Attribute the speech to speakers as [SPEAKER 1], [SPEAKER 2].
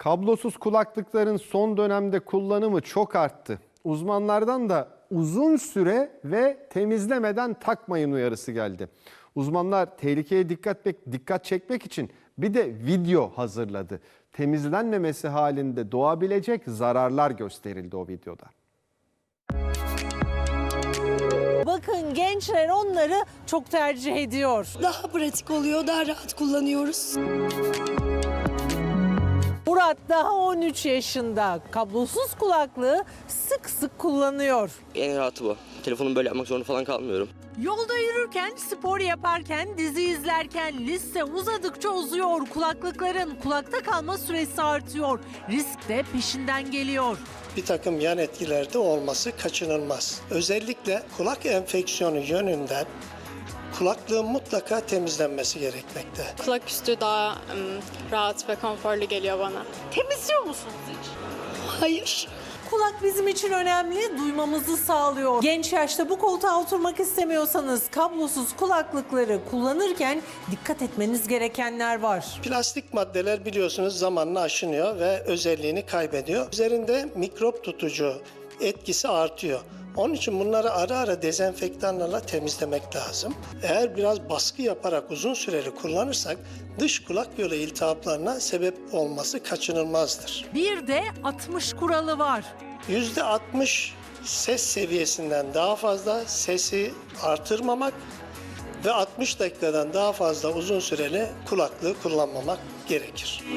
[SPEAKER 1] Kablosuz kulaklıkların son dönemde kullanımı çok arttı. Uzmanlardan da uzun süre ve temizlemeden takmayın uyarısı geldi. Uzmanlar tehlikeye dikkat çekmek için bir de video hazırladı. Temizlenmemesi halinde doğabilecek zararlar gösterildi o videoda.
[SPEAKER 2] Bakın gençler onları çok tercih ediyor.
[SPEAKER 3] Daha pratik oluyor, daha rahat kullanıyoruz.
[SPEAKER 2] Murat daha 13 yaşında. Kablosuz kulaklığı sık sık kullanıyor.
[SPEAKER 4] En rahatı bu. Telefonumu böyle yapmak zorunda falan kalmıyorum.
[SPEAKER 2] Yolda yürürken, spor yaparken, dizi izlerken liste uzadıkça uzuyor. Kulaklıkların kulakta kalma süresi artıyor. Risk de peşinden geliyor.
[SPEAKER 5] Bir takım yan etkileri de olması kaçınılmaz. Özellikle kulak enfeksiyonu yönünden kulaklığın mutlaka temizlenmesi gerekmekte.
[SPEAKER 6] Kulak üstü daha rahat ve konforlu geliyor bana.
[SPEAKER 2] Temizliyor musunuz hiç?
[SPEAKER 3] Hayır.
[SPEAKER 2] Kulak bizim için önemli, duymamızı sağlıyor. Genç yaşta bu koltuğa oturmak istemiyorsanız kablosuz kulaklıkları kullanırken dikkat etmeniz gerekenler var.
[SPEAKER 5] Plastik maddeler biliyorsunuz zamanla aşınıyor ve özelliğini kaybediyor. Üzerinde mikrop tutucu etkisi artıyor. Onun için bunları ara ara dezenfektanlarla temizlemek lazım. Eğer biraz baskı yaparak uzun süreli kullanırsak dış kulak yolu iltihaplarına sebep olması kaçınılmazdır.
[SPEAKER 2] Bir de 60 kuralı var.
[SPEAKER 5] %60 ses seviyesinden daha fazla sesi artırmamak ve 60 dakikadan daha fazla uzun süreli kulaklığı kullanmamak gerekir.